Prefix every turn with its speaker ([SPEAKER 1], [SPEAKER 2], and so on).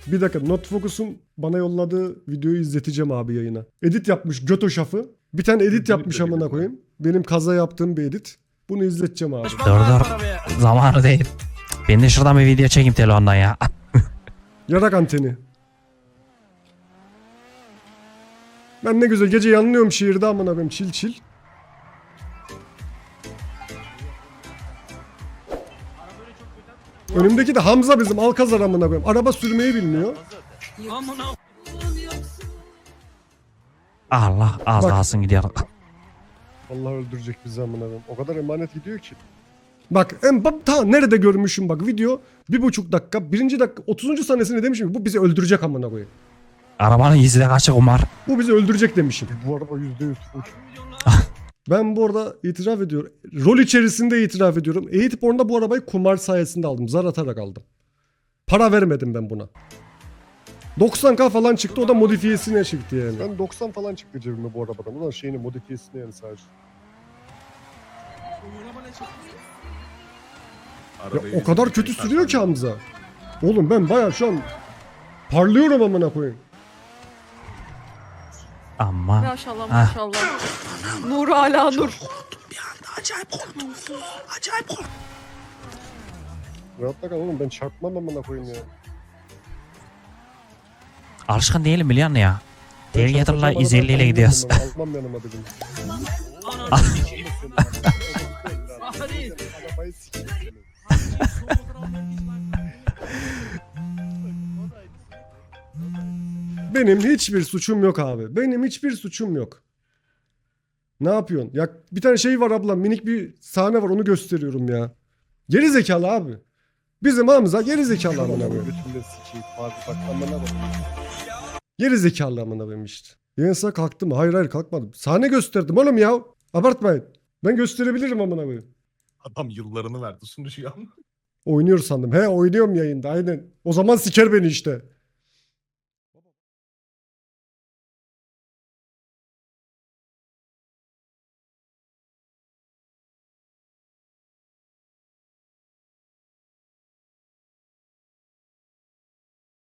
[SPEAKER 1] Bir dakika, Not Focus'un bana yolladığı videoyu izleteceğim abi yayına. Edit yapmış göto şafı. Bir tane edit yapmış amına koyayım. Benim kaza yaptığım bir edit. Bunu izleteceğim abi.
[SPEAKER 2] Dur. Zamanı değil. Ben de şuradan bir video çekeyim telefondan ya.
[SPEAKER 1] Yarak anteni. Ben ne güzel gece yanlıyorum şehirde amına koyayım, çil çil. Önümdeki de Hamza bizim Alkazar amına koyayım. Araba sürmeyi bilmiyor.
[SPEAKER 2] Allah az
[SPEAKER 1] Bak.
[SPEAKER 2] kalsın gidiyor.
[SPEAKER 1] Allah öldürecek bizi amına koyayım. O kadar emanet gidiyor ki. Bak ta nerede görmüşüm bak video 1,5 dakika 1. dakika 30. sahnesinde demişim ki bu bizi öldürecek amına koyayım.
[SPEAKER 2] Arabanın izi de kaçık Umar.
[SPEAKER 1] Bu bizi öldürecek demişim. Bu araba %100 full. Ben bu arada itiraf ediyorum. Rol içerisinde itiraf ediyorum. Eğitip orada bu arabayı kumar sayesinde aldım. Zar atarak aldım. Para vermedim ben buna. 90k falan çıktı, o da modifiyesine çıktı yani. Ben 90 falan çıktı cebime bu arabadan. Ulan şeyini modifiyesine yani sadece. Ya o kadar kötü sürüyor ki Hamza. Oğlum ben bayağı şu an parlıyorum amına koyayım.
[SPEAKER 2] Ama.
[SPEAKER 3] Maşallah maşallah. Nur hala nur.
[SPEAKER 1] Rahatla kal oğlum, ben çarpmam amına koyayım ya.
[SPEAKER 2] Alışkın değilim biliyor musun ya? Değil getirler
[SPEAKER 1] Çarpacağım,
[SPEAKER 2] 150 ile
[SPEAKER 1] arabayı
[SPEAKER 2] gidiyoruz.
[SPEAKER 1] Almam yanıma dedim. Arabayı sikeyim seni. Benim hiçbir suçum yok abi. Benim hiçbir suçum yok. Ne yapıyorsun? Ya bir tane şey var abla, minik bir sahne var, onu gösteriyorum ya. Geri zekalı abi. Bizim Hamza geri zekalı amına koyayım. Geri zekalı amına koyayım işte. Yensa kalktı mı? Hayır kalkmadım. Sahne gösterdim oğlum ya. Abartmayın. Ben gösterebilirim amına koyayım.
[SPEAKER 4] Adam yıllarını verdi sunucuya.
[SPEAKER 1] Oynuyor sandım. He oynuyorum yayında aynen. O zaman siker beni işte.